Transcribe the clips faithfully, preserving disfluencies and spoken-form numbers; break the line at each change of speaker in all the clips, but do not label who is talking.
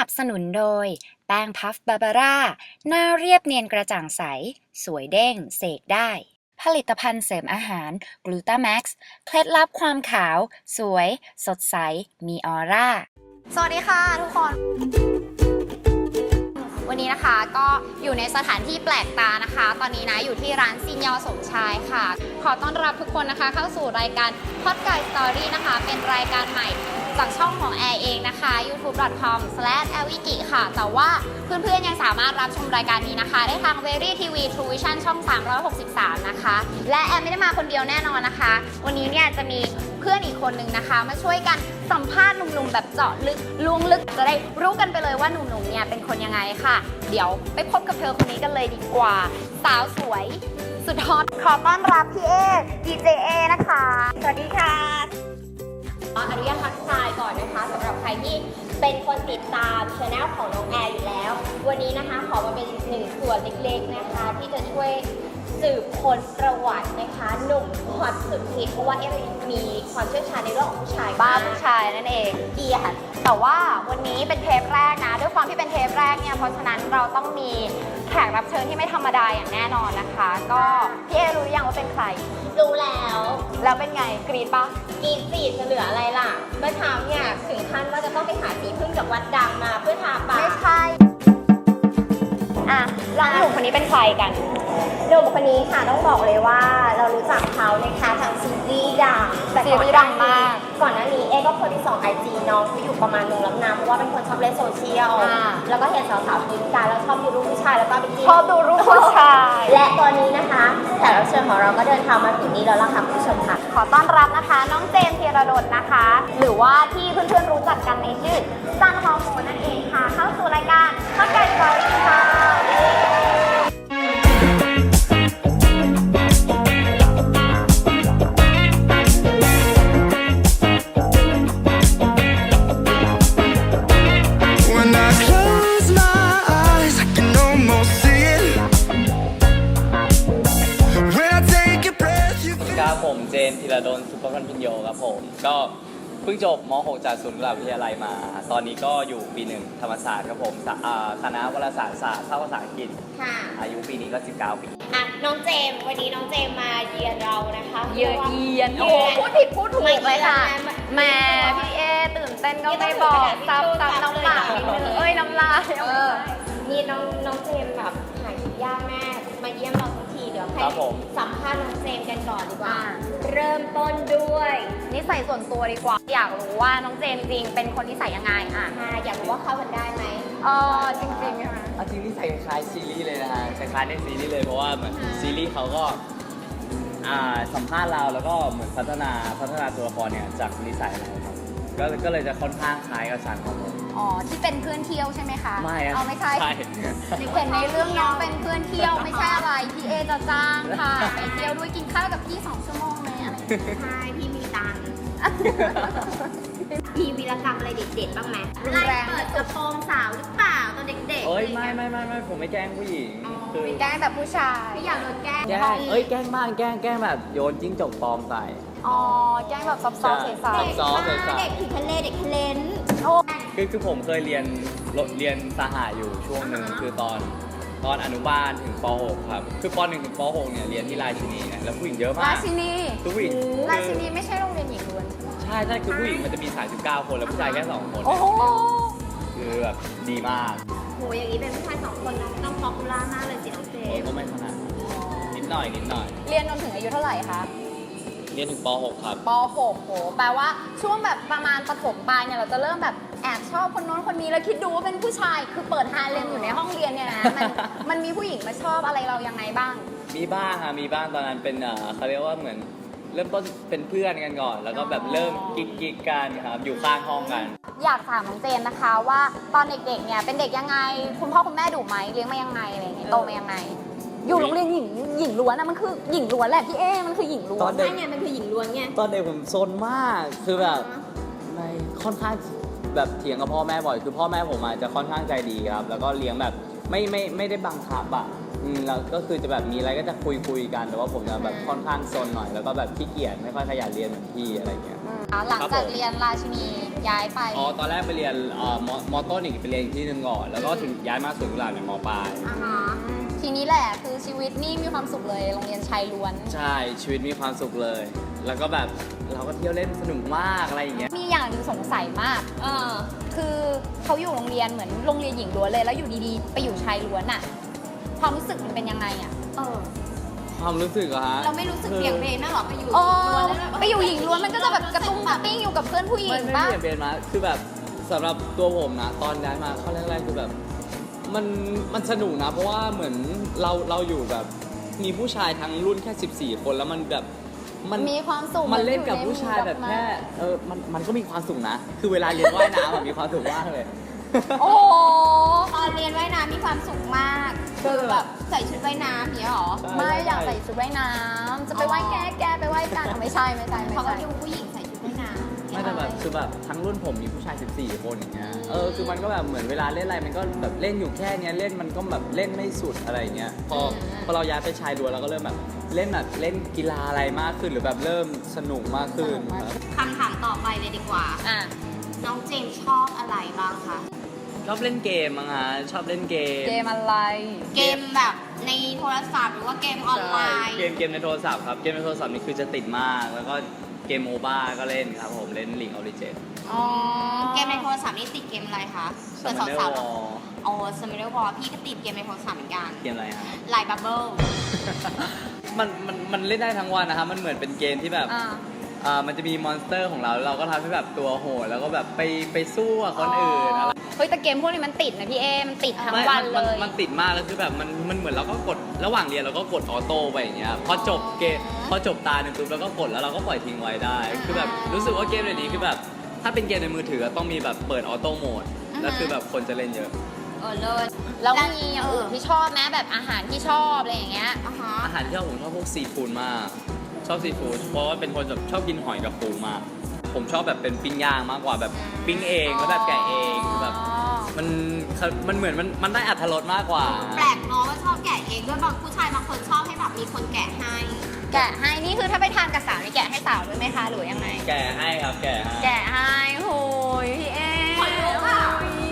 นับสนุนโดยแป้งพัฟบาบาร่าหน้าเรียบเนียนกระจ่างใสสวยเด้งเสกได้ผลิตภัณฑ์เสริมอาหารกลูตาแม็กซ์เคล็ดลับความขาวสวยสดใสมีออร่า
สวัสดีค่ะทุกคนวันนี้นะคะก็อยู่ในสถานที่แปลกตานะคะตอนนี้นะอยู่ที่ร้านซินยอสมชายค่ะขอต้อนรับทุกคนนะคะเข้าสู่รายการ Podcast Story นะคะเป็นรายการใหม่จากช่องของแอร์เองนะคะ ยูทูบ ดอท คอม สแลช แอล วิกิ ค่ะแต่ว่าเพื่อนๆยังสามารถรับชมรายการนี้นะคะได้ทาง Very ที วี True Vision ช่องสามร้อยหกสิบสามนะคะและแอร์ไม่ได้มาคนเดียวแน่นอนนะคะวันนี้เนี่ยจะมีเพื่อนอีกคนนึงนะคะมาช่วยกันสัมภาษณ์หนุ่มๆแบบเจาะลึกล้วงลึกจะได้รู้กันไปเลยว่าหนุ่มๆเนี่ยเป็นคนยังไงค่ะเดี๋ยวไปพบกับเธอคนนี้กันเลยดีกว่าสาวสวยสุดฮอตขอต้อนรับพี่เอ ดี เจ เอ นะคะสวัสดีค่ะอนุญาตทักทายก่อนนะคะสำหรับใครที่เป็นคนติดตามช่องของน้องแอร์อยู่แล้ววันนี้นะคะขอมาเป็นหนึ่งส่วนเล็กๆนะคะที่จะช่วยสืบค้นประวัตินะคะหนุ่มฮอตสุดฮิตเพราะว่าเอมีความเชี่ยวชาญในเรื่องของผู้ชายบ้าผู้ชายนั่นเองดีค่ะแต่ว่าวันนี้เป็นเทปแรกนะด้วยความที่เป็นเทปแรกเนี่ยเพราะฉะนั้นเราต้องมีแขกรับเชิญที่ไม่ธรรมดาอย่างแน่นอนนะคะก็พี่เอรู้ยังว่าเป็นใครรู้แล้วแล้วเป็นไงกรี๊ดปะกรี๊ดสิจะเหลืออะไรล่ะเมื่อเช้าเนี่ยถึงขั้นว่าจะต้องไปหาสีพึ่งจากวัดดังมาเพื่อทาปากไม่ใช่อ่ะแล้วหนุ่มคนนี้เป็นใครกันหนุ่มคนนี้ค่ะต้องบอกเลยว่าเรารู้จักเขานะคะทางซีรีส์ดังแต่ก่อนดังมากก่อนหน้านี้เอก็เคยไปส่องไอจีน้องเขาอยู่ประมาณนึงแล้วนะเพราะว่าเป็นคนชอบเล่นโซเชียลแล้วก็เห็นสาวๆกินกันแล้วชอบดูรูปผู้ชายแล้วก็ไปกินชอบดูรูปผู้ชายและตอนนี้นะคะแขกรับเชิญของเราก็เดินทางมาถึงนี้แล้วล่ะค่ะผู้ชมค่ะขอต้อนรับนะคะน้องเจมส์ธีรดลนะคะหรือว่าที่เพื่อนๆรู้จักกันในชื่อซันฮอร์โมนนั่นเองค่ะเข้าสู่รายการข้าวไก่สตอรี่ค่ะ
ผมเจนธีรดลสุภพันธ์พิญโยครับผมก็เพิ่งจบม .หก จากศูนย์กุหลาบวิทยาลัยมา ตอนนี้ก็อยู่ปีหนึ่งธรรมศาสตร์ครับผมคณะวารสารศาสตร์ภาคภาษาอังกฤษอายุปีนี้ก็สิบเก้าปีอ่ะน้องเจมวันนี้น้องเจมมาเยือนเรานะคะ
เยือนเยือนโอ้พูดผิดพูดถูกเลยค่ะแม่พี่เอตื่นเต้นก็ไม่บอกซับซับน้ำปากนิดนึงเอ้ยน้ำลายนี่น้องน้องเจมแบบหายยากแม่มาเยี่ยมเราทุกทีเดี๋ยวให้สัมภาษณ์น้องเจมกันก่อนดีกว่าเริ่มต้นด้วยนิสัยส่วนตัวดีกว่าอยากรู้ว่าน้องเจมจริงเป็นคนนิสัยยังไงอ่ะอยากรู้ว่าเข้ากันได้ไหมเออจริงจริงใช่ไหม
จริงนิสัยคล้ายซีรีส์เลยนะฮะคล้ายในซีรีส์เลยเพราะว่าเหมือนซีรีส์เขาก็สัมภาษณ์เราแล้วก็เหมือนพัฒนาพัฒนาตัวละครเนี่ยจากนิสัยเราครับก็ก็เลยจะค่อนข้างคล้ายกับฉันครับผม
อ๋อที่เป็นเพื่อนเที่ยวใช่ไหมคะ
ไม่
เอาไม่ใช่เห็นในเรื่องน้องเป็นเพื่อนเที่ยวไม่ใช่อะไรพี่เอจะจ้างค่ะไปเที่ยวด้วยกินข้าวกับพี่สองชั่วโมงไหมอะไรใช่พี่มีตังค์มีวีรกรรมอะไรเด็ดๆบ้างไหมไล่เปิดกระโปรงสาวหรือเปล่าตอนเด็กๆ
เอ้ยไม่ไม่ไม่ไม่ผมไม่แกล้งผู้หญิง
คือแกล้งแบบผู้ชายไม่อยากโดนแกล้ง
แกล้งเอ้ยแกล้งบ้างแกล้งแกล้งแบบโยนจิ้งจกปลอมใส่
อ๋อแกล้งแบบซอฟๆใส่
ๆเด็ก
เด็กถึงทะเลเด็กทะเลน
คือคือผมเคยเรียนเรียนสหะอยู่ช่วงหนึ่งคือตอนตอนอนุบาลถึงป .หก ครับคือป หนึ่ง ถึงป .หก เนี่ยเรียนที่ราชินีนะแล้วผู้หญิงเยอะมาก
ราชินี
ผู้หญิง
ราชินีไม่ใช่โรงเรียนหญิงล้วน
ใช่ใช่คือผู้หญิงมันจะมีสามสิบเก้าคนแล้วผู้ชายแค่สองคน
โอ้โห
คือแบบดีมาก
โหอย่างนี้เป็นผู้ชายสองคนต้องป๊อปปูล่ามากเลยสิน้องเจม
ก็ไม่ขนาดนิดหน่อยนิดหน่อย
เรียนจนถึงอายุเท่าไหร่คะ
เรียนถึงป .หก ครับ
ป .หก โหแปลว่าช่วงแบบประมาณประถมปลายเนี่ยเราจะเริ่มแบบแอบชอบคนโน้นคนนี้แล้วคิดดูว่าเป็นผู้ชายคือเปิดฮาเร็มอยู่ในห้องเรียนเนี่ยนะมันมันมีผู้หญิงมาชอบอะไรเรายังไงบ้าง
มีบ้างค่ะมีบ้างตอนนั้นเป็นเขาเรียกว่าเหมือนเริ่มต้นเป็นเพื่อนกันก่อนแล้วก็แบบเริ่มกิ๊กกิ๊กกันครับอยู่ข้างห้องกัน
อยากถามน้องเจนนะคะว่าตอนเด็กๆเนี่ยเป็นเด็กยังไงคุณพ่อคุณแม่ดุไหมเลี้ยงมายังไงอะไรอย่างเงี้ยโตมายังไงอยู่โรงเรียนหญิงหญิงล้วนนะมันคือหญิงล้วนแหละพี่เอมันคือหญิงล้วนใช่ไงมันคือหญิงล้วนไง
ตอนเด็กผมซนมากคือแบบในค่อนข้างแบบเถียงกับพ่อแม่บ่อยคือพ่อแม่ผมอาจจะค่อนข้างใจดีครับแล้วก็เลี้ยงแบบไม่ไม่ไม่ได้บังคับอ่ะอืมแล้วก็คือจะแบบมีอะไรก็จะคุยคุยกันแต่ว่าผมจะแบบค่อนข้างซนหน่อยแล้วก็แบบขี้เกียจไม่ค่อยขยันเรียนเหมือนพี่อะไรเงี้ย
หลัง
ครับ
จาก
ผม
เรียนราชินีย้ายไป
อ๋อตอนแรกไปเรียนเอ่อมมอต้นอีกไปเรียนอีกที่หนึ่งก่อนแล้วก็ถึงย้ายมาสวนกุหลาบในมปลาย
อ่าฮะทีนี้แหละคือชีวิตนี่มีความสุขเลยโรงเรียนชายล้วน
ใช่ชีวิตมีความสุขเลย แล้วก็แบบเราก็เที่ยวเล่นสนุกมากอะไรอย่างเงี้ย
มีอย่างหนึงสงสัยมาก เออ คือเขาอยู่โรงเรียนเหมือนโรงเรียนหญิงล้วนเลย แล้วอยู่ดีๆ ไปอยู่ชายล้วนอะความรู้สึกมันเป็นยังไงอะเออ
ความรู้สึกอะฮะ
เราไม่รู้สึกเบี่ยงเบนมากหรอไปอยู่
เออ
ล้วนแล้วแบบ
ไปอยู่หญิงล้วนมันก็จะแบบกระตุ้งกระติ้งอยู่กับเพื่อนผู้หญิ
ไม่
ง
ไม่
ป่ะ
เปลี่ยนเบนมาคือแบบสำหรับตัวผมนะตอนย้ายมาเข้าแรกๆคือแบบมันมันสนุกนะ เพราะว่าเหมือนเราเราอยู่แบบมีผู้ชายทั้งรุ่นแค่สิบสี่คนแล้วมันแบบมัน
มีความสุข
มันเล่นกับ
หออ
ผู้ชายแบบ
หมู่
แค่เออมันมันก็มีความสุขนะ คือเวลาเรียนว่ายน้ำอะมีความสุขมากเลย
โอ้โห
ตอนเรียนว่ายน้ำมีความสุขมาก คือแบบใส่ชุดว่ายน้ำอย่างเนี้ยหรอ
ใช่
ไม่อยากใส่ชุดว่ายน้ำจะไปว่ายแก้แก้ไปว่ายกันเอาไม่ใช่ไม่ใช่ไม่
เขาก็
ใช่
ดูผู้หญิงใส่ชุดว่ายน้ำ
ไม่แต่แบบคือแบบทั้งรุ่นผมมีผู้ชายสิบสี่คนอย่างเงี้ยเออคือมันก็แบบเหมือนเวลาเล่นอะไรมันก็แบบเล่นอยู่แค่เนี้ยเล่นมันก็แบบเล่นไม่สุดอะไรอย่างเงี้ยพอพอเราย้ายไปชายล้วนเราก็เริ่มแบบเล่นแบบเล่นกีฬาอะไรมากขึ้นหรือแบบเริ่มสนุกมากขึ้นครับ
คำถามต่อไปเลยดีกว่า
อ่ะ
น้องเจมส์ชอบอะไรบ้างคะ
ชอบเล่นเกมมั้งฮะชอบเล่นเกม
เกมอะไร
เกมแบบในโทรศัพท์หรือว่าเกมออนไลน์
ใช่เกมเกมในโทรศัพท์ครับเกมในโทรศัพท์นี่คือจะติดมาก แล้วก็เกมโมบ้าก็เล่นครับผมเล่น League of Legends
อ๋อ
เกมในโทรศัพท์นี่ติดเกมอะไรคะเผื่อ
Summoner
สาว
War
ๆอ๋อ Summoner War พี่ก็ติดเกมในโทรศัพท์เหมือนกัน
เกมอะไรฮะ
ไลน์บับเบิ้ล
มันมันมันเล่นได้ทั้งวันนะครับมันเหมือนเป็นเกมที่แบบ
อ่า
อ่ามันจะมีมอนสเตอร์ของเราแล้วเราก็ทำให้แบบตัวโหดแล้วก็แบบไปไปสู้กับคนอื่นอะไร
เฮ้ยแต่เกมพวกนี้มันติดนะพี่เอ มันติดทั้ง
ไม่
วัน
มั
เลย
มันติดมากแล้วคือแบบมันมันเหมือนเราก็กดระหว่างเรียนเราก็กดออโต้ไปอย่างเงี้ยพอจบเกมพอจบตาหนึ่งปุ๊บเราก็กดแล้วเราก็ปล่อยทิ้งไว้ได้ คือแบบรู้สึกว่าเกมเดี๋ยวนี้คือแบบถ้าเป็นเกมในมือถือต้องมีแบบเปิดออโต้โหมดแล้วคือแบบคนจะเล่นเยอะ
เออเลิศ
แล้วมีอย่างอื่นที่ชอบไหมแบบอาหารที่ชอบอะไรอย่างเงี้ย
อ่ะฮะ
อาหารที่ชอบผมชอบพวกซีฟู้ดมากชอบซีฟู้ดเพราะว่าเป็นคนแบบชอบกินหอยกับปูมากผมชอบแบบเป็นปิ้งย่างมากกว่าแบบปิ้งเองแล้วแบบแกะเองคือแบบมันมันเหมือนมันมันได้อรรถรสมากกว่า
แปลกเนาะว่าชอบแกะเองด้วยบางผู้ชายบางคนชอบให้แบบมีคนแกะให้
แกะให้ นี่คือถ้าไปทานกับสาวนี่แกะให้สาวด้วยไหมคะหรือยังไง
แกะให้ครับแกะให้
แกะให้โหยพี่เอ
ขนลุกอะ
โย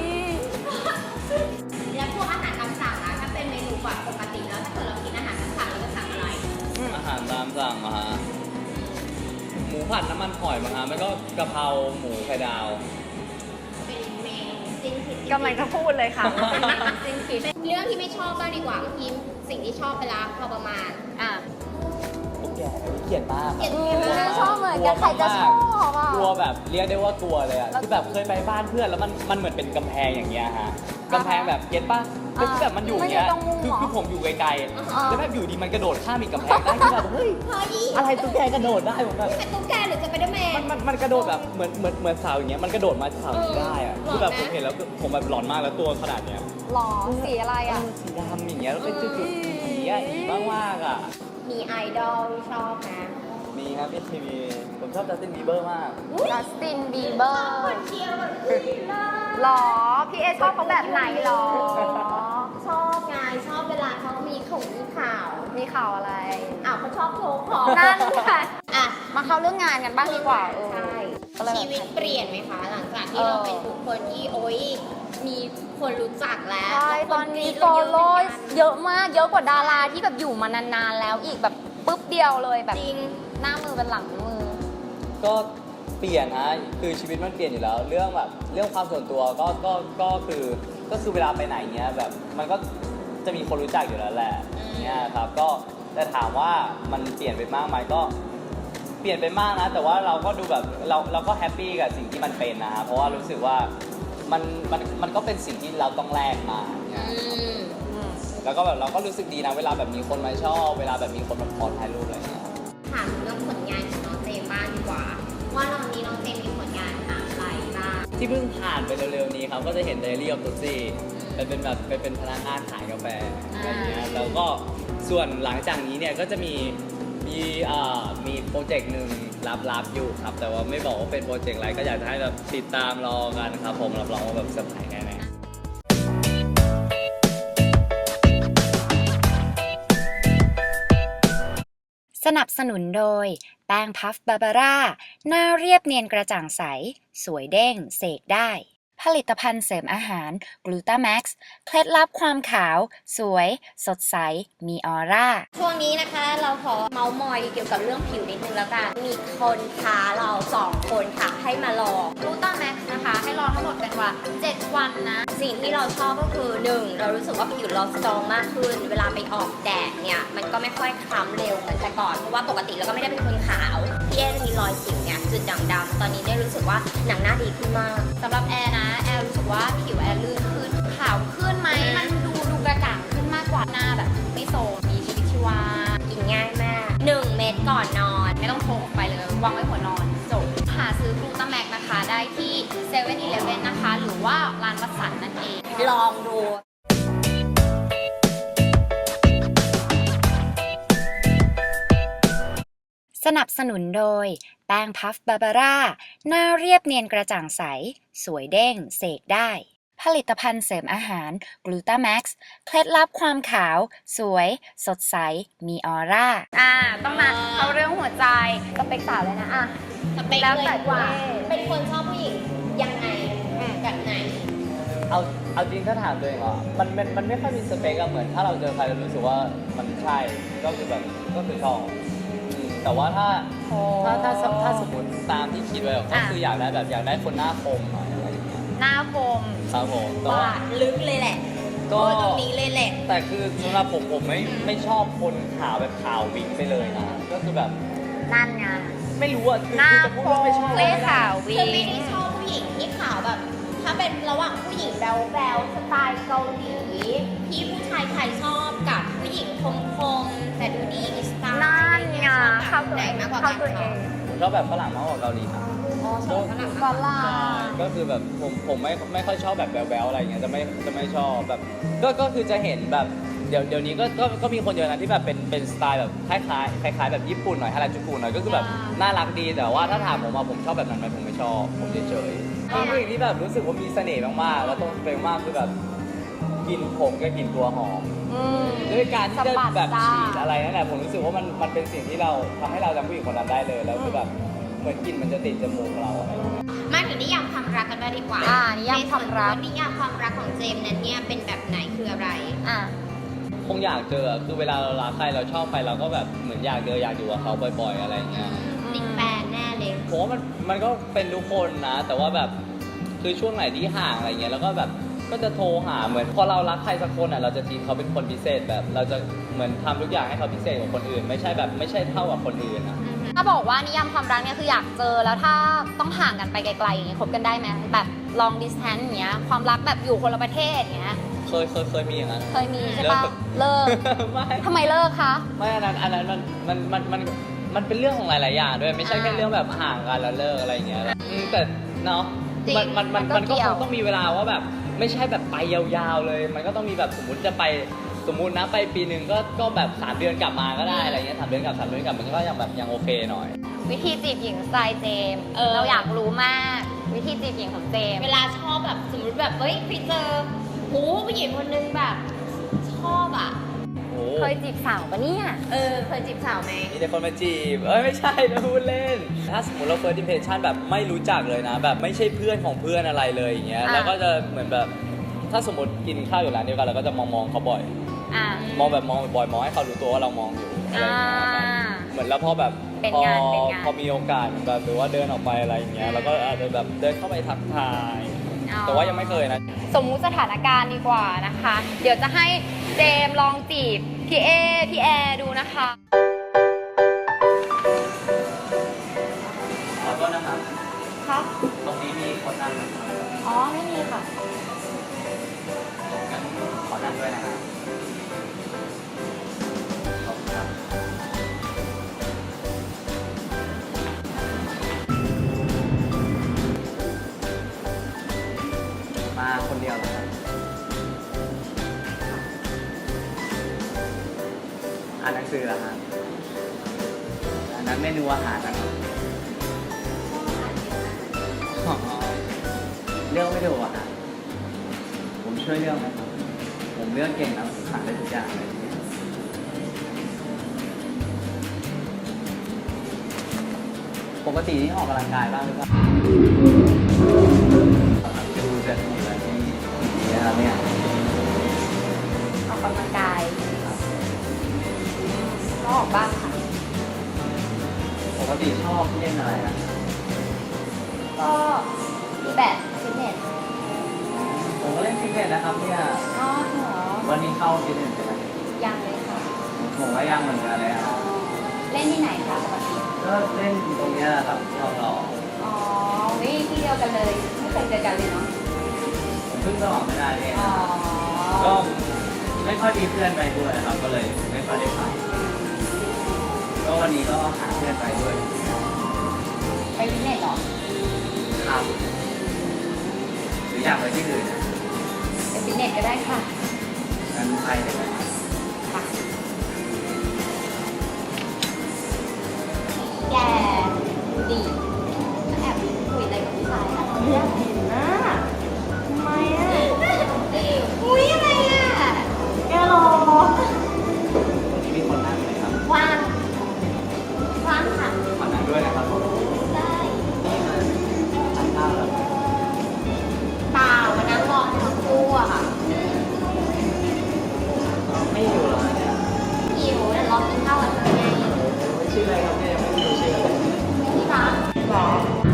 แล้วพวกอาหารตามสั่งอะถ้าเป็นเมนูแบบปกติแล้วถ้าเกิดเรากินอาหารตามสั่งเราจะสั่งอะไร
อาหารตามสั่งมาฮะหมูผัดน้ำมันหอยมาฮะแล้วก็กะเพราหมูไข่ดาว
เป็นเมนูสิ้นคิด
กำลังจะพูดเลยค่ะว่าเป็นจริงคิด
เรื่องที่ไม่ชอบบ้างดีกว่าเมื่อกี้สิ่งที่ชอบไปแล้วพอประมาณ
อ่ะ
แกะเขียนมาก
เกลียด
อืมชอบเหมือนกันใครจะชอบอ่ะ
กลัวแบบเรียกได้ว่ากลัวเลยอะ
แล้ว
คือแบบเคยไปบ้านเพื่อนแล้วมันมันเหมือนเป็นกำแพงอย่างเงี้ยฮะกำแพงแบบเก็ตป่ะคือคือแบบมันอยู่อย่างเงี้ย
มันอยู่ตรงมุม
คือ
เหรอ
คือผมอยู่ไกล
อ่า
ๆแล้วแบบอยู่ดีมันกระโดดข้ามอีกกำแพงได้คือแบบเฮ้ย
เฮ้ย
อะไรตุ๊กแกกระโดดได้ผมแบบ
เป็นตุ๊กแกหรือจะเป็นเดอร์แมน
มันมันมันกระโดดแบบเหมือนเหมือนเหมือนเสาอย่างเงี้ยมันกระโดดมาเสานี้ได้อะ
เออ
คือแบบ
หล
ผ
อน
ม
ไหม
เห็นแล้วคือผมแบบหลอนมากแล้วตัวขนาดเนี้ย
หรอสีอะไรอ่ะ
สีดำอย่างเงี้ยแล้วเป็นจุดๆสีอ่ะอีบ้างมากอ่ะ
มีไอดอลที่ชอบนะ
มีครับพี่ทีวีผมชอบจัสตินบีเบอร์มาก
จัสตินบีเบอร์
คนเชียร์แบบอุ้ยน่า
หรอ พี่เอชอบเขาแบบไหนหรอ
ชอบไงชอบเวลาเขามีของมีข่าว
มีข่าวอะไร
อ้าวเขาชอบโชว์ของ
นั่นค่ะ
อ่ะ
มาเข้าเรื่องงานกันบ้างดีกว่าเออ
ใช่
ก็เลยแบบ
ชีวิตเปลี่ยนไหมคะ หลังจากที่
เออ
เราเป็นบุคคลที่โอ๊ยมีคนรู้จักแล้ว
ใช่ตอนนี้
ค
ฟอล
กรี๊ด
โล่
เราเยอะเหมือนกัน
เยอะมาก เยอะกว่าดาราที่แบบอยู่มานานๆแล้วอีกแบบปุ๊บเดียวเลยแบบ
จริง
หน้ามือเป็นหลังมือ
ก็เปลี่ยนฮะคือชีวิตมันเปลี่ยนอยู่แล้ว เรื่องแบบเรื่องความส่วนตัวก็ก็ก็คือก็คือเวลาไปไหนเงี้ยแบบมันก็จะมีคนรู้จักอยู่แล้วแหละเนี่ยครับก็แต่ถามว่ามันเปลี่ยนไปมากไหมก็เปลี่ยนไปมากนะ แต่ว่าเราก็ดูแบบเราเราก็แฮปปี้กับสิ่งที่มันเป็นนะฮะเพราะว่ารู้สึกว่ามันมันมันก็เป็นสิ่งที่เราต้องแลกมาเนี่ย
อืม
แล้วก็แบบเราก็รู้สึกดีนะเวลาแบบมีคนมาชอบเวลาแบบมีคนมาขอถ่ายรูปอะไรอย่างเงี้ย
ถามเรื่องผลงานของน้องเจมส์บ้างดีกว่า ว่าตอนนี้น้องเจมส์มีผลงานอะไรบ้าง
ที่เพิ่งผ่านไปเร็วๆนี้ครับก็จะเห็น Diary of Tootsie ไปเป็นแบบไปเป็นพนักงานขายกาแฟอะไรอย่างเงี้ยแล้วก็ส่วนหลังจากนี้เนี่ยก็จะมีมีเอ่อมีโปรเจกต์หนึ่งลับๆอยู่ครับ แต่ว่าไม่บอกว่าเป็นโปรเจกต์อะไรก็อยากจะให้แบบติดตามรอกันครับผมรับรองว่าแบบเซอร์ไพรส์แน่ๆ
สนับสนุนโดยแป้งพัฟบาบาร่าหน้าเรียบเนียนกระจ่างใสสวยเด้งเสกได้ผลิตภัณฑ์เสริมอาหารกลูตาแม็กซ์เคล็ดลับความขาวสวยสดใสมีออร่า
ช่วงนี้นะคะเราขอเมาส์มอยเกี่ยวกับเรื่องผิวนิดนึงแล้วกันมีคนท้าเราสองคนค่ะให้มาลอง
กลูต้าแม็กซ์นะคะให้รอทั้งหมดเป็นว่าเจ็ดวันนะ
สิ่งที่เราชอบก็คือหนึ่งเรารู้สึกว่าผิวเราสตรองมากขึ้น เวลาไปออกแดดเนี่ยมันก็ไม่ค่อยคล้ำเร็วเหมือนแต่ก่อนเพราะว่าปกติเราก็ไม่ได้เป็นคนขาวพี่เอจะมีรอยสิวเนี่ยจุดด่างดำตอนนี้ได้รู้สึกว่าหนังหน้าดีขึ้นมาก
สำหรับแอร์นะแอร์รู้สึกว่าผิวแอร์ลื่นขึ้นขาวขึ้นไหมมันดูดูกระจ่างขึ้นมากกว่าหน้าแบบไม่โซมมีชีวิตชีวา
กินง่ายมากหนึ่งเม็ดก่อนนอน
ไม่ต้องพกออกไปเลยวางไว้หัวนอนจบหาซื้อกลูต้าแม็กนะคะได้ที่เซเว่นอีเลฟเว่นนะคะหรือว่าร้านวัดสันนั่นเอง
ลองดู
สนับสนุนโดยแป้งพัฟบาบาร่าหน้าเรียบเนียนกระจ่างใสสวยเด้งเสกได้ผลิตภัณฑ์เสริมอาหารกลูตาแม็กซ์เคล็ดลับความขาวสวยสดใสมีออร่า
อ่าต้องมาเอาเรื่องหัวใจสเปคสาวเลยนะอ่ะ
สเปค
แล้ว
เลย
แต่
ดีกว่า
ตัวเอง
เป็นคนชอบผู้หญิงยังไงแบบไหน
เอาเอาจริงถ้าถามตัวเองเหรอมันมันมันไม่ค่อยมีสเปคอะเหมือนถ้าเราเจอใครเรารู้สึกว่ามันใช่ก็คือแบบก็คือชอบอืมแต่ว่าถ้าถ้าถ้าถ้าถ้าสมมติตามที่คิดไว้ก็คืออยากได้แบบอยากได้คนหน้าคมหน่อยอะไรอย่างเงี้ย
หน้าคม
ครับผมแต่
ว่า
ว่า
ลึกเลยแหละ
ก็
โอ้ตรงนี้เลยแหละ
แต่คือสำหรับผมผมไม่ไม่ชอบคนขาวแบบขาววิ้งไปเลยนะก็คือแบบ
นั่นไง
ไม่รู้อะคือ
หน้า
คือจะพูดว่าไม่ชอบ
เล่ขาว
คื
วี
อไม่ได้ชอบผู้หญิงที่ขาวแบบ ถ้าเป็นระหว่างผู้หญิงแบวๆสไตล์เกาหลีพี่ผู้ชายไทยชอบกับผู้หญิงคมๆแต่ดูดีมีสไตล์
นั่นไง
เข้า
เข้าตัว
ไหน
เอง
มากกว่า
เข้า
กัน
ตัวเอง
ผมชอบแบบฝรั่งมากกว่าเกาหลีนะ
อ๋อชอบฝรั่ง
ฝรั่ง
ก็คือแบบผมผมไม่ไม่ค่อยชอบแบบแบลๆอะไรอย่างเงี้ยจะไม่จะไม่ชอบแบบก็ก็คือจะเห็นแบบเดี๋ยวเดี๋ยวนี้ก็ก็ก็มีคนเยอะนะที่แบบเป็นเป็นสไตล์แบบคล้ายคล้ายคล้ายๆแบบญี่ปุ่นหน่อยฮาราจูกุหน่อยก็คือแบบน่ารักดีแต่ว่าถ้าถามผมว่าผมชอบแบบนั้นไหมผมไม่ชอบผมเฉยๆเป็นผู้หญิงที่แบบรู้สึกว่ามีเสน่ห์มากๆแล้วตรงเปรมมากคือแบบกลิ่นผมกับกลิ่นตัวหอม
อืม
ด้วยการที่จะแบบ
สะบัด
ฉีด
จ้า
อะไรนั่นแหละผมรู้สึกว่ามันมันเป็นสิ่งที่เราทำให้เราจำผู้หญิงคนนั้นได้เลยแล้วคือแบบเหมือนกลิ่นมันจะติดจมูกเราอะไรอย่างเงี้ย
มาถึงนิยามความรักกันบ้างดีกว่า
อ่านิยามความรัก
ในส่วนนิยามความรักของเจมส์นั้นเนี่ยเป็นแบบไหนคืออะไร
อ่ะ
คงอยากเจอคือเวลาเรารักใครเราชอบใครเราก็แบบเหมือนอยากเจออยากอยู่กับเขาบ่อยๆอะไรอย่างเงี้ย
ติดแฟนแน่เลย
ผมว่ามันมันก็เป็นทุกคนนะ แต่ว่าแบบคือช่วงไหนที่ห่างอะไรเงี้ยแล้วก็แบบก็จะโทรหาเหมือนพอเรารักใครสักคนอ่ะเราจะทีเขาเป็นคนพิเศษแบบเราจะเหมือนทำทุกอย่างให้เขาพิเศษกว่าคนอื่น ไม่ใช่แบบไม่ใช่เท่ากับคนอื่นอ่ะ
ถ้าบอกว่านิยามความรักเนี่ยคืออยากเจอแล้วถ้าต้องห่างกันไปไกลๆอย่างเงี้ยคบกันได้ไหมแบบ long distance อย่างเงี้ยความรักแบบอยู่คนละประเทศอย่างเงี้ย
เคยเคยเคยมีอย่างนั้น
เคยมีใช่ปะ
เลิ
เลิ
ก
ก
ไม่
ทำไมเลิกคะ
ไม่อันนั้นอันนั้นมันมันมันมันมันเป็นเรื่องของหลายๆอย่างด้วยไม่ใช่แค่
อ่า
เรื่องแบบห่างกันแล้วเลิกอะไรอย่างเงี้ยอืมแต่เนาะ
จริง
มันมันมัน
มั
มัน น
ก็
ก็
เกี่
ค
ยว
งต้องมีเวลาว่าแบบไม่ใช่แบบไปยาวๆเลย มันก็ต้องมีแบบสมมุติจะไปสมมุตินะไปปีหนึ่งก็ก็แบบสามเดือนกลับมาก็ได้อะไรเงี้ยสามเดือนกลับสามเดือนกลับมันก็ยังแบบยังโอเคหน่อย
วิธีจีบหญิงสไตล์เจมส์
เออ
เราอยากรู้มาก วิธีจีบหญิงของเจมส์
เวลาชอบแบบสมมติแบบเฮ้ยไปเจอหูผู้หญิงคนนึงแบบชอบอ่ะ
โอ้
เคยจีบสาวปะเนี่ย
เออเคยจีบสาวไหม
มีแต่คนมาจีบเอ้ยไม่ใช่นะพูดเล่น ถ้าสมมติเรา first impression แบบไม่รู้จักเลยนะ แบบไม่ใช่เพื่อนของเพื่อนอะไรเลยอย่างเงี้ย
อ่ะ
แล้วก็จะเหมือนแบบถ้าสมมติกินข้าวอยู่ร้านเดียวกันเราก็จะมองมองๆเขาบ่อย
อ่ะ
มองแบบมองบ่อยๆมองให้เขารู้ตัวว่าเรามองอยู่อะไรอย่างเงี้ย
อ่า
เหมือนแล้วพอแบบ
เป็น
พอง
านเป็นงาน
พอมีโอกาสแบบหรือว่าเดินออกไปอะไรอย่างเงี้ยแล้วก็อาจจะแบบเดินเข้าไปทักทาย
อ๋อ
แต่ว่ายังไม่เคยนะ
สมมุติสถานการณ์ดีกว่านะคะ เดี๋ยวจะให้เจมส์ลองจีบพี่เอพี่แอร์ดูนะคะ
ขอโทษนะครับ
ครับ
ตรงนี้มีคนนั่งไหม
อ๋อไม่มีค่ะ
งั้นขอนั่งด้วยนะครับขอบคุณครับมาคนเดียวเหรอครับอ่านหนังสือเหรอฮะอันนั้นเมนูอาหารนะครับอ๋อเลือกไม่ถูกอะฮะผมช่วยเลือกไหมครับผมเลือกเก่งนะผมทานได้ทุกอย่างเลยปกติที่ออกกำลังกายบ้างหรือเปล่าดูจะถูกอะไรที่นี่นะครับเนี่ย
ออกกำลังกายก็ออกบ้างค่ะ
ปกติชอบเล่นอะไรนะ
ก็มีแบบฟิตเนส
ผมก็เล่นฟิตเนสนะครับเนี่ย
อ๋อเหรอ
วันนี้เข้าฟิตเนสไปไหม
ยังเลยค่ะ
ผมก็ยังเหมือนกันเลยครับ
เล่นที่ไหนคะปกติ
ก็เล่นตรงเนี้ยแหละครับทองหล่อ
อ๋อวิที่เดียวกันเลย ไม่เคยเจอกันเลยเนาะ
ผมเพิ่งสมัครไม่ได้เอง
อ๋อ
ก็ไม่ค่อยมีเพื่อนไปด้วยนะครับ ก็เลยไม่ค่อยได้ไปก็วันนี้ก็หาเพื่อนไปด้วย
ไปฟิตเนสเหรอ
ครับหรืออยากไปที่อื่นนะ
ไปฟิตเนสก็ได้ค่ะ
งั้นไปได้ไหม
ค่ะ
แกดีแอบคุยอะไรกับผู้ชายอะอยากเห็นนะทำไมอะอุ้ยอะไรอะแกรอ
วันนี้มีคนนั่งไหมครับ
ว่างว่างค่ะ
ขอนั่งด้วยนะครับผม
ได้
นี่มาทานข้าวแล้ว
เปล่ามานั่งรอทั้งคู่อะค่ะ
ไม่อยู่เหรอเนี่ย
หิวเดี๋ยวรอกินข้าวกันไง
ชื่ออะไรครับเนี่ยยังไม่รู้ชื่อเลย
ที่รักหรอ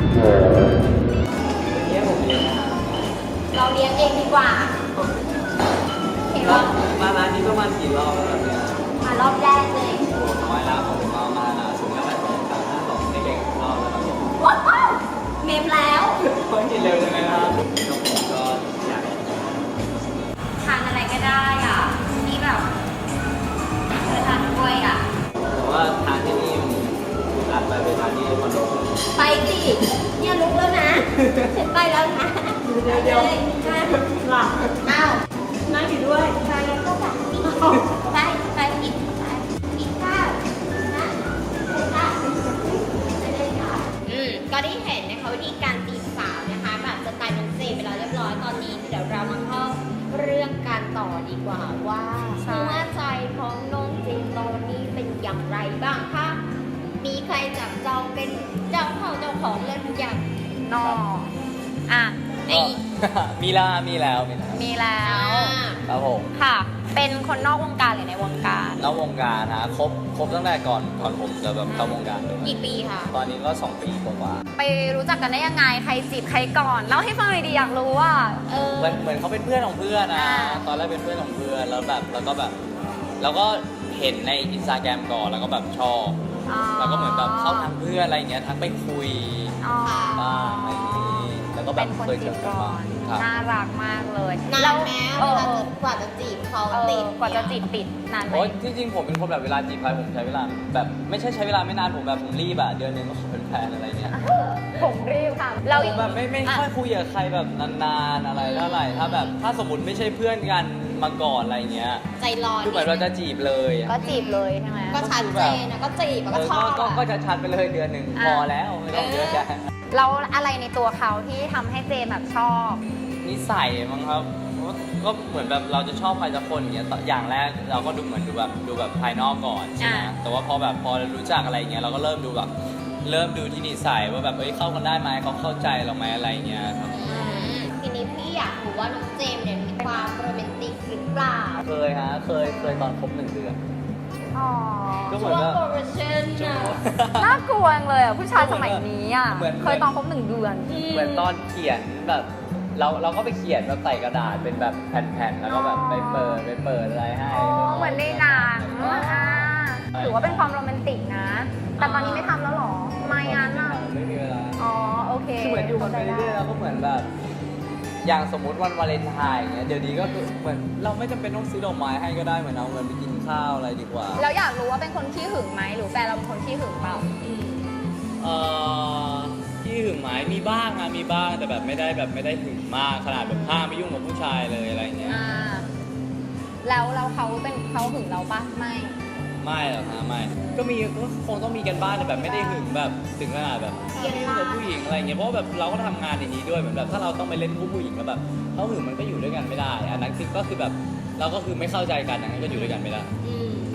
วันนี้ผมเรียนนะครับ
เราเลี้ยงเองดีกว่าเห็นว่า
มาร้านนี้ประมาณกี่รอบแล้วครับเนี่ย
มารอบแรกเลย
โอ้น้อยแล้วผมเอามานะสูงแค่สองสามห้าสองเด็กๆรอบแล้วครับผม
ว้าวเมมแล้ว
เฮ้ยกินเร็วจังเลยนะครับผมก็อยาก
ทานอะไรก็ได้อ่ะ นี่แบบเธอทานกล้วยอ่ะ
แต่ว่าทานที่นี่มันอัดไปไปทานที่คอนโด
ไปสิเนี่ยลุกแล้วนะฉันไปแล้วนะเดี๋ยวเดี๋ยวนะหลับอ้าวนั่งอยู่ด้วยไปก็แบบไปไปกินไปกินข้าวนะกินข้าวไปเลยค่ะอืมก็ได้เห็นนะคะวิธีการตีสาวนะคะแบบสไตล์น้องเจไปแล้วเรียบร้อยตอนนี้เดี๋ยวเรามาเข้าเรื่องการต่อดีกว่าว่า
ใช่
หัวใจของน้องเจตอนนี้เป็นอย่างไรบ้างคะมีใครจับจองเป็นเจ้าเข้าเจ้าของเล่นอย่าง
นออ่ะ
ไอ้
มีแล้วมีแล้วมีแล้ว
มีแล้ว
ครับผม
ค่ะ เป็นคนนอกวงการหรือในวงการ
นอกวงการนะครบครบตั้งแต่ก่อนก่อนผมจะแบบเข้าวงการเลย
กี่ปีคะ
ตอนนี้ก็สองปีกว่า
ไปรู้จักกันได้ยังไง ใครจีบใครก่อน เล่าให้ฟังหน่อยดีอยากรู้ว่า
เออ
ๆเหมือนเหมือนเขาเป็นเพื่อนของเพื่อนนะ
อ่า
ตอนแรกเป็นเพื่อนของเพื่อนแล้วแบบแล้วก็แบบเราก็เห็นในอินสตาแกรมก่อนแล้วก็แบบชอบ
อ๋อ
แล้วก็เหมือนแบบเข้าทางเพื่อนอะไรอย่างเงี้ยทักไปคุย
อ๋อ
บ้างอะไรอย่างงี้แล้วก็แบ
เป็
บ
นคน
เคยเจ
จี
อบ กัน
ก่อ
บ้าง
น
ครับ
น่ารักมากเลย
นาน
แล้ว
แม้
เอ
เว
อ
ลา
เออ
จะกว่าจะจีบเขา
เออ
ติด
กว่าจะจีบติดนานไหม
โอ้ยจริงๆผมเป็นคนแบบเวลาจีบใครผมใช้เวลาแบบไม่ใช่ใช้เวลาไม่นานผมแบบผมรีบอะเดือนหนึงก็ขอเป็นแฟนอะไรเงี้ย
ผมรีบค่ะ เรา
ผมแบบไม่ไม่ค่อยคุยกับใครแบบนานๆอะไรเท่าไหร่ถ้าแบบถ้าสมมติไม่ใช่เพื่อนกันมาก่อนอะไรเงี้ย
ใจร้อน
คือเหมือนเราจะจีบเลยอะ
ก็จีบเลยใช่ไหม
ก็ชัดเจนนะก็จีบอะ
เอ
ก็
อ
ชอบ
ก็
อะ
ก็จะชัดไปเลยเดือนหนึ่ง
อ่ะ
พอแล้วไม่ต้องเยอะแยะ
แล้วอะไรในตัวเขาที่ทำให้เจมแบบชอบ
นิสัยมั้งครับก็ก็เหมือนแบบเราจะชอบใครสักคนอย่างเงี้ยอย่างแรกเราก็ดูเหมือนดูแบบดูแบบภายนอกก่อนใช่ไหม
อ่า
แต่ว่าพอแบบพอรู้จักอะไรเงี้ยเราก็เริ่มดูแบบเริ่มดูที่นิสัยว่าแบบเอ้ยเข้ากันได้ไหมเขาเข้าใจเราไหมอะไรเงี้ยครับ
อืมทีนี้พี่อยากรู้ว่าน้องเจมส์เนี่ยมีความโรแมนติกหรือเปล่า
เคยฮะเคยเคยตอนคบหนึ่งเดือน
อ๋อ
ก็เหมื
ช่
อน
วง
ว่า
โปรโมชั่น
ช่วง
อะ
น่ากลัวจังเลยอ่ะผู้ชายสมัยนี้อ่ะ
เหมือน
เคยตอนคบหนึ่งเดือน
เหมือนตอนเขียนแบบเราเราก็ไปเขียนแบบใส่กระดาษเป็นแบบแผ่นๆแล้วก็แบบไปเปิดไปเปิดอะไรให้
อ๋อเหมือนในหนังอ่าถือว่าเป็นความโรแมนติกนะ แต่ตอนนี้ไม่ทำแล้วเหรอทำไมงั้นอ่ะ
ไม่มีเวลา
อ๋อโอเค
คือเหมือนอยู่กันไปเรื่อยๆแล้วก็เหมือนแบบ อย่างสมมุติวันวาเลนไทน์อย่างเงี้ยเดี๋ยวนี้ก็คือเหมือนเราไม่จำเป็นต้องซื้อดอกไม้ให้ก็ได้เหมือนเอาเงินไปกินข้าวอะไรดีกว่า
แล้วอยากรู้ว่าเป็นคนขี้หึงไหมหรือแฟนเราเป็นคนขี้หึงเปล่า
เอ่อที่หึงไหมมีบ้างนะมีบ้างแต่แบบไม่ได้แบบไม่ได้หึงมากขนาดแบบห้ามไม่ยุ่งกับผู้ชายเลยอะไรเงี้ย
อ่า แล้วเราเขาเป็นเขาหึงเราปะไม่
ไม่หรอกฮะไม่ก็มีก็คงต้องมีกันบ้างแต่แบบไม่ได้หึงแบบถึงขนาดแบบไม่ยุ่งกับผู้หญิงอะไรเงี้ยเพราะว่าแบบเราก็ทำงานอย่างนี้ด้วยเหมือนแบบถ้าเราต้องไปเล่นคู่ผู้หญิงแล้วแบบเขาหึงมันก็อยู่ด้วยกันไม่ได้อันนั้นคือก็คือแบบเราก็คือไม่เข้าใจกันอย่างนั้นก็อยู่ด้วยกันไม่ได้
อืม
โห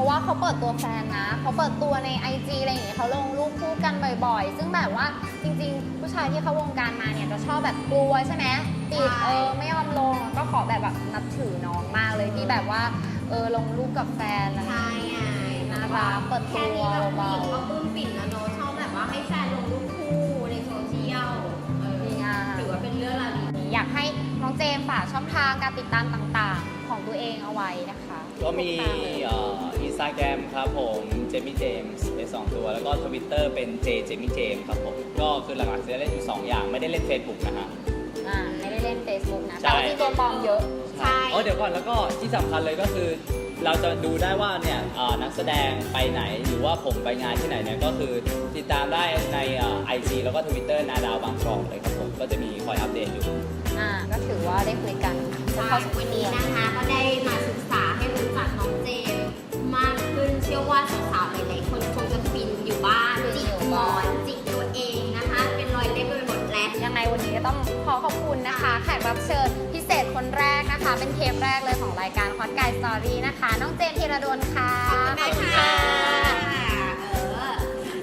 ราะว่าเขาเปิดตัวแฟนนะเขาเปิดตัวใน ไอ จี อะไรอย่างเงี้ยเขาลงรูปคู่กันบ่อยๆ ซึ่งแบบว่าจริงๆ ผู้ชายที่เข้าวงการมาเนี่ยจะชอบแบบกลัวใช่ไหมปิดเออไม่ยอมลงก็ขอแบบแบบนับถือน้องมากเลยที่แบบว่าเออลงรูปกับแฟนอะไร
ใช่ไง
น่ารักเปิด
แค่
ตัว
นี้แบบผู้
เบา
หญิงก็ปลื้มปิ่นแล้วเนอะชอบแบบว่าให้แฟนลงรูปคู่ในโซเชียลเออ
ๆดีงาม
ถือว่าเป็นเรื่องราวดี
อยากให้น้องเจมส์ฝากช่องทางการติดตามต่างๆ ของตัวเองเอาไว้นะคะ
ก็มี
ทุทางเลย
อินสตาแกรมครับผมเจมี่เจมส์เป็นสองตัวแล้วก็ทวิตเตอร์เป็นเจเจมี่เจมส์ครับผมก็คือหลักๆจะเล่นอยู่สองอย่างไม่ได้เล่น Facebook นะฮะ
อ่าไม่ได้เล่น Facebook นะ
ใช่
แต่ว่ามีตัวปลอมเยอะ
ใช่
อ๋อเดี๋ยวก่อนแล้วก็ที่สำคัญเลยก็คือ เราจะดูได้ว่าเนี่ยเอ่อนักแสดงไปไหนหรือว่าผมไปงานที่ไหนเนี่ยก็คือติดตามได้ในไอจีแล้วก็ Twitter นาดาวบางกรอบเลยครับผมก็จะมีคอยอัปเดตอยู่
อ่าก็ถือว่าได้คุยกัน
ใช่วันนี้นะคะก็ได้มาศึกษาให้รู้จักน้องเจมส์มากขึ้นเชื่อว่าสาวๆหลายๆคนคงจะฟินอยู่บ้านจิกหมอนจิกตัวเองนะคะ เป็นรอยเล็บไปหมดแล้ว
ยังไงวันนี้ก็ต้องขอขอบคุณนะคะ แขกรับเชิญพิเศษคนแรกนะคะ เป็นเทปแรกเลยของรายการ Hot Guy Story นะคะ น้องเจมส์ธีรดลค่ะ
ขอบคุณค่ะเออ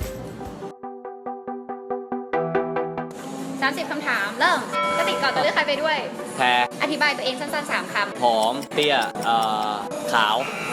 สามสิบคำถาม เริ่มกติกาจะเลือกใครไปด้วย
แพร
อธิบายตัวเองสั้นๆสามค
ผอมเตี้ยเอ่อขาว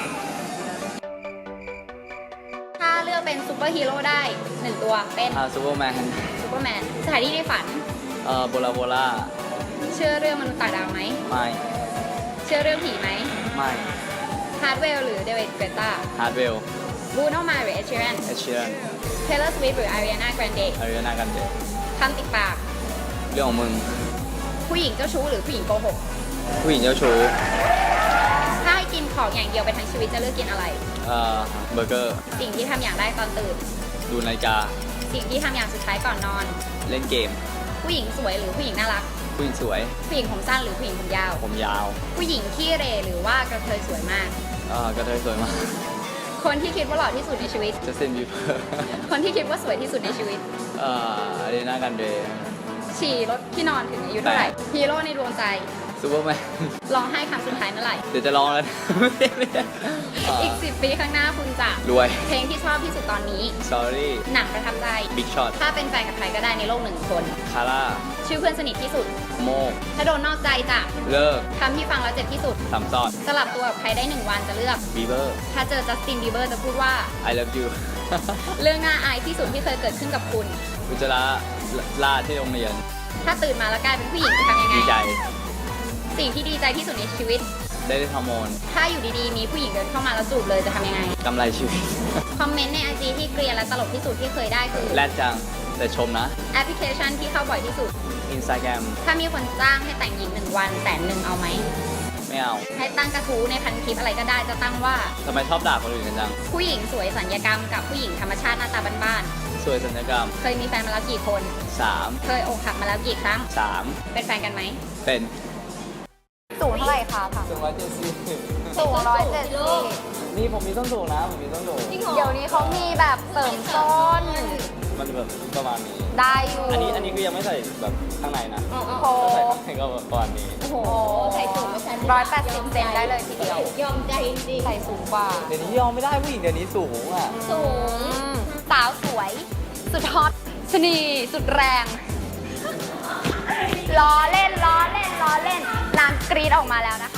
ำถ้าเลือกเป็นซูเปอร์ฮีโร่ได้หนึ่งตัวเป็น
อ่าซูเปอร์แมน
ซูเปอร์แมนสถานที่ในฝัน
เอ่อโบลาโบล่า
เชื่อเรื่องมนุษย์ต่างดาวไหม
ไม่
เชื่อเรื่องผีไหม
ไม่
ฮาร์ดเวลหรือเดวิดเกรตา
ฮาร์ดเวล
บูโนมาหรือเอชเชอรัน
เอชเชียน
เทเลอร์สวิฟหรืออาริอานาแกรนเด
อาริอานากันเด
คำติดปาก
เรื่องของมึง
ผู้หญิงเจ้าชู้หรือผู้หญิงโกหก
ผู้หญิงเจ้าชู้
ถ้าให้กินของอย่างเดียวไปทั้งชีวิตจะเลือกกินอะไร
เอ่อเบอร์เกอร์
สิ่งที่ทำอย่างแรกตอนตื่น
ดูนาฬิกา
สิ่งที่ทำอย่างสุดท้ายก่อนนอน
เล่นเกม
ผู้หญิงสวยหรือผู้หญิงน่ารัก
ผู้หญิงสวย
ผู้หญิงผมสั้นหรือผู้หญิงผมยาว
ผมยาว
ผู้หญิงขี้เหร่หรือว่ากระเทยสวยมาก
เอ่อกระเทยสวยมาก
คนที่คิดว่าหล่อที่สุดในชีวิต
จัสตินบีเบอร์
คนที่คิดว่าสวยที่สุดในชีวิต
เอ่ออาริอานากันเด
ฉี่รถที่นอนถึงอายุเท่าไหร่ ฮีโร่ในดวงใจ
ซูเปอร์แมน
ร้องไห้ครั้งสุดท้ายเมื่อไหร่
เดี๋ยวจะลองแล้วนะ ไม่ได้ไม่ได้เอ่อ
อีกสิบปีข้างหน้าคุณจะ
รวย
เพลงที่ชอบที่สุดตอนนี้
sorry
หนังประทับใจ
big shot
ถ้าเป็นแฟนกับใครก็ได้ในโลกหนึ่งคน
คาร่า
ชื่อเพื่อนสนิทที่สุด
โมก
ถ้าโดนนอกใจจะ
เลิก
คำที่ฟังแล้วเจ็บที่สุด
สามซอด
สลับตัวกับใครได้หนึ่งวันจะเลือก
บีเบอร์
ถ้าเจอจัสตินบีเบอร์จะพูดว่า
I love you
เรื่องน่าอายที่สุดที่เคยเกิดขึ้นกับคุณ
อุจจาระลาดที่โรงเรียน
ถ้าตื่นมาแล้วกลายเป็นผู้หญิงจะทำยังไง
ดีใจ
สิ่งที่ดีใจที่สุดในชีวิต
ได้เล่นฮอร์โมน
ถ้าอยู่ดีๆ มีผู้หญิงเดินเข้ามาแล้วจูบเลยจะทำยังไง
กำไรชีวิต
คอมเมนต์ในไอจีที่เกลียนและตลกที่สุดที่เคยได้คือ
แรดจัง แต่ชมนะ
แอปพลิเคชันที่เข้าบ่อยที่สุด
Instagram
ถ้ามีคนจ้างให้แต่งหญิงหนึ่งวันแสนหนึ่งเอาไหม
ไม่เอา
ให้ตั้งกระทู้ในพันคลิปอะไรก็ได้จะตั้งว่า
ทำไมชอบด่าคนอื่นกันจัง
ผู้หญิงสวยสัญญกรรมกับผู้หญิงธรรมชาติหน้าตาบ้าน
สวยสัญญกรรม
ๆ เคยมีแฟนมาแล้วกี่คน
สาม
เคยอกหักมาแล้วกี่ครั้ง
สาม
เป็นแฟนกันไหม
เป็น
สูงเท่าไหร่คะค่ะ
สูงร้อยเจ็ดสิบ
สูงร้อยเจ็ดสิบ
นี่ผมมีส้นสูงนะ ผมมีส้นสูง
เดี๋ยวนี้เขามีแบบเสริมส้น
มันแบบประมาณนี้
ได้อยู่
อันนี้อันนี้คือยังไม่ใส่แบบข้างในนะ
โอ้โห
ถ้าใส่ข้างในก็แบบประมาณนี้
โอ้โห
ใส่สูงไม่ใช่
ร้อยแปดสิบเซนได้เลยทีเดียว
ยอมใจจริง
ใส่สูงกว่า
เดี๋ยวนี้ยอมไม่ได้ผู้หญิงเดี๋ยวนี้สูงอ่ะ
สูง
สาวสวย สุดฮอตชะนีสุดแรง ล้อเล่นล้อเล่นล้อเล่นนางกรีดออกมาแล้วนะคะ